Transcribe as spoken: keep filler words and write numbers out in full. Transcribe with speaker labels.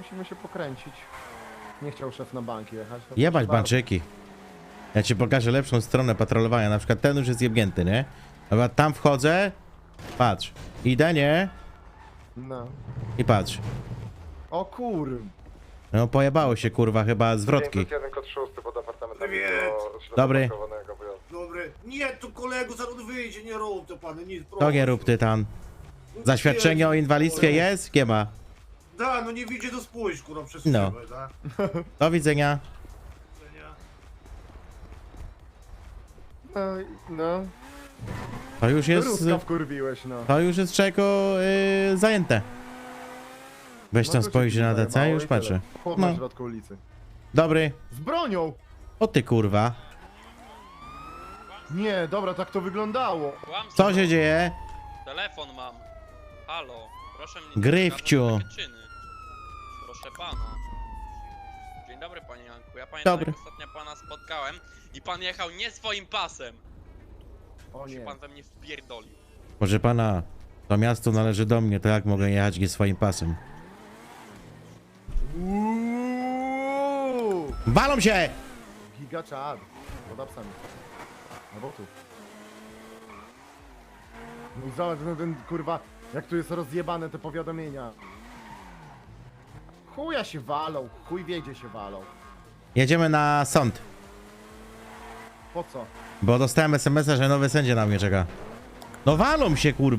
Speaker 1: musimy się pokręcić. Nie chciał szef na bank jechać. to
Speaker 2: Jebać
Speaker 1: proszę
Speaker 2: banczyki. Ja ci pokażę lepszą stronę patrolowania. Na przykład ten już jest jebnięty, nie? Dobra, tam wchodzę. Patrz. Idę, nie?
Speaker 1: bardzo. No.
Speaker 2: I patrz.
Speaker 1: O kur...
Speaker 2: No pojebało się, kurwa, chyba zwrotki.
Speaker 1: jeden kod szósty pod apartamentem.
Speaker 3: Привет.
Speaker 2: Dobry.
Speaker 3: Dobry. Nie, tu kolego zaraz wyjdzie, nie rób to pan, nic.
Speaker 2: To nie rób tytan.
Speaker 3: No,
Speaker 2: Zaświadczenie o
Speaker 3: nie,
Speaker 2: inwalidztwie jest? Nie ma.
Speaker 3: Da, no nie widzi do spójrz, kurwa, przez
Speaker 2: No.
Speaker 3: szybę, da?
Speaker 2: Do widzenia.
Speaker 1: No, no.
Speaker 2: To już jest...
Speaker 1: Ruska wkurwiłeś, no.
Speaker 2: To już jest czego yy, zajęte. Weź
Speaker 1: No
Speaker 2: tam
Speaker 1: to się
Speaker 2: spojrzy na
Speaker 1: kurwa
Speaker 2: D C i
Speaker 1: jebało
Speaker 2: już
Speaker 1: i tyle.
Speaker 2: patrzę.
Speaker 1: Chłop
Speaker 2: No.
Speaker 1: na środku ulicy.
Speaker 2: Dobry.
Speaker 1: Z bronią!
Speaker 2: O ty kurwa.
Speaker 1: Nie, dobra, tak to wyglądało.
Speaker 4: Kłamstwo.
Speaker 2: Co się dzieje?
Speaker 4: Telefon mam. Halo, proszę mnie nie
Speaker 2: Gryfciu.
Speaker 4: wskazać na takie czyny. Proszę pana. Dzień dobry panie Janku. Ja pamiętam
Speaker 2: Dobry.
Speaker 4: jak ostatnio pana spotkałem i pan jechał nie swoim pasem.
Speaker 1: O
Speaker 4: Się
Speaker 1: nie.
Speaker 4: pan we mnie wpierdolił.
Speaker 2: Proszę pana, to miasto należy do mnie, to jak mogę jechać nie swoim pasem?
Speaker 1: Uuuu!
Speaker 2: Walą się!
Speaker 1: Giga czad. Pod apsami. Albo tu. No i zobacz, no ten kurwa, jak tu jest rozjebane te powiadomienia. Chuja się walą, chuj wiedzie się walą.
Speaker 2: Jedziemy na sąd,
Speaker 1: Po co?
Speaker 2: bo dostałem es em es a, że nowy sędzia na mnie czeka. No walą się kurwa.